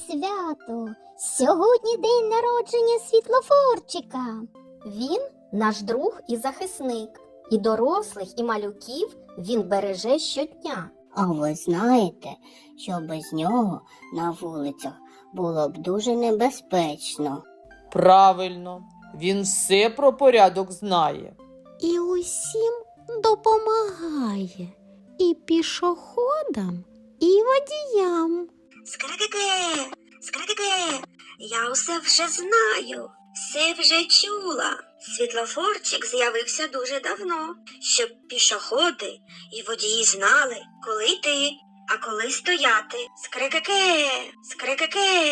свято! Сьогодні день народження світлофорчика. Він наш друг і захисник. І дорослих, і малюків він береже щодня. А ви знаєте, що без нього на вулицях було б дуже небезпечно. Правильно, він все про порядок знає. І усім допомагає. І пішоходам, і водіям. Скрикике, скрикике, я усе вже знаю, все вже чула. Світлофорчик з'явився дуже давно, щоб пішоходи і водії знали, коли йти, а коли стояти. Скрикике, скрикике.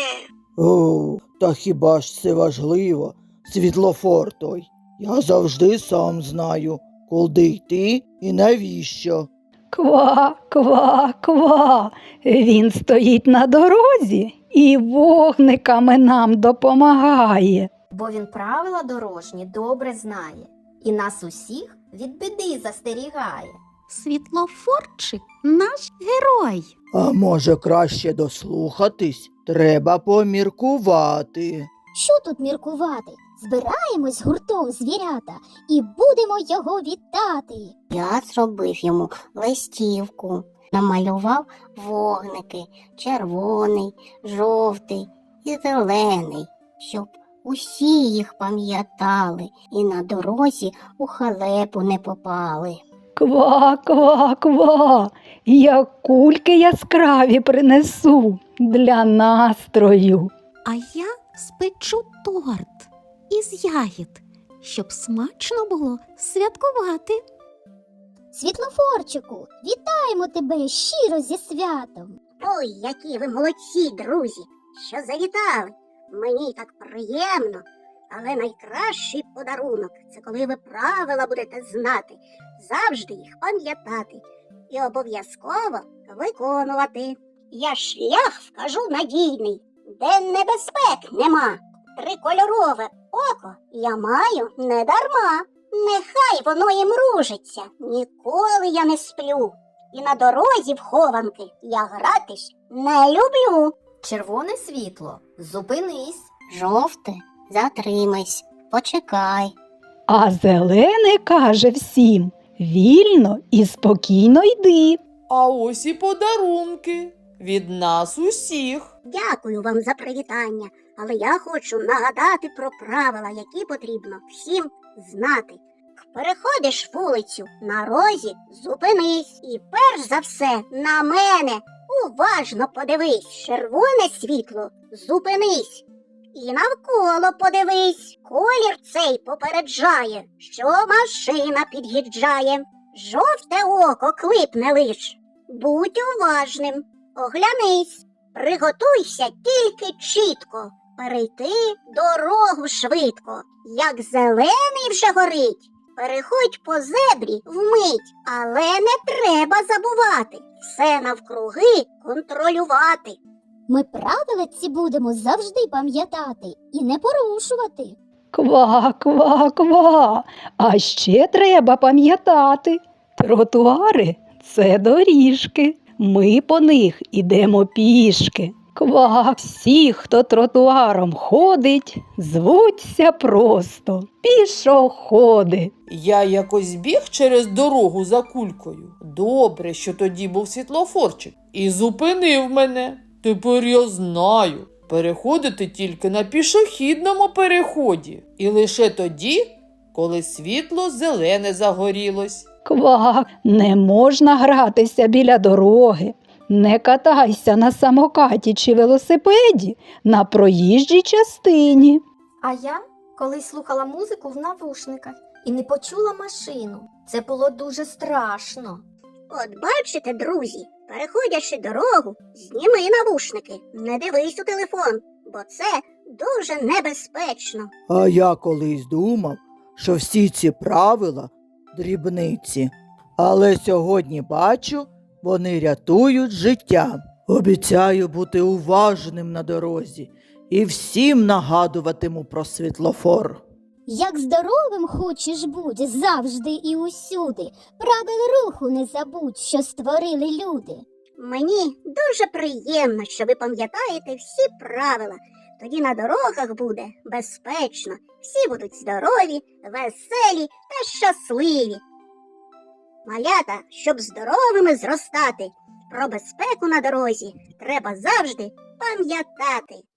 О, та хіба ж це важливо, світлофор той? Я завжди сам знаю, куди йти і навіщо. Ква, ква, ква. Він стоїть на дорозі і вогниками нам допомагає. Бо він правила дорожні добре знає. І нас усіх від біди застерігає. Світлофорчик наш герой. А може краще дослухатись? Треба поміркувати. Що тут міркувати? Збираємось гуртом, звірята, і будемо його вітати. Я зробив йому листівку, намалював вогники червоний, жовтий і зелений, щоб усі їх пам'ятали і на дорозі у халепу не попали. Ква, ква, ква. Я кульки яскраві принесу для настрою. А я спечу торт із ягід, щоб смачно було святкувати. Світлофорчику, вітаємо тебе щиро зі святом. Ой, які ви молодці, друзі, що завітали. Мені так приємно, але найкращий подарунок – це коли ви правила будете знати, завжди їх пам'ятати і обов'язково виконувати. Я шлях вкажу надійний, де небезпек нема. Трикольорове око я маю не дарма. Нехай воно і мружиться, ніколи я не сплю. І на дорозі в хованки я гратись не люблю. Червоне світло, зупинись. Жовте, затримайся, почекай. А зелене каже всім: вільно і спокійно йди. А ось і подарунки від нас усіх. Дякую вам за привітання, але я хочу нагадати про правила, які потрібно всім знати. Переходиш вулицю, на розі зупинись і перш за все на мене уважно подивись. Червоне світло зупинись і навколо подивись. Колір цей попереджає, що машина під'їжджає. Жовте око клипне лиш. Будь уважним, оглянись, приготуйся тільки чітко, перейти дорогу швидко. Як зелений вже горить, переходь по зебрі вмить, але не треба забувати все навкруги контролювати. Ми правила ці будемо завжди пам'ятати і не порушувати. Ква, ква, ква. А ще треба пам'ятати: тротуари – це доріжки. Ми по них ідемо пішки. Ква, всі, хто тротуаром ходить, звуться просто пішоходи. Я якось біг через дорогу за кулькою. Добре, що тоді був світлофорчик. І зупинив мене. Тепер я знаю. Переходити тільки на пішохідному переході. І лише тоді, коли світло зелене загорілось. Ква, не можна гратися біля дороги. Не катайся на самокаті чи велосипеді на проїжджій частині. А я колись слухала музику в навушниках і не почула машину. Це було дуже страшно. От бачите, друзі, переходячи дорогу, зніми навушники, не дивись у телефон, бо це дуже небезпечно. А я колись думав, що всі ці правила – дрібниці. Але сьогодні бачу, вони рятують життя. Обіцяю бути уважним на дорозі і всім нагадуватиму про світлофор. Як здоровим хочеш будь завжди і усюди, правил руху не забудь, що створили люди. Мені дуже приємно, що ви пам'ятаєте всі правила. Тоді на дорогах буде безпечно, всі будуть здорові, веселі та щасливі. Малята, щоб здоровими зростати, про безпеку на дорозі треба завжди пам'ятати.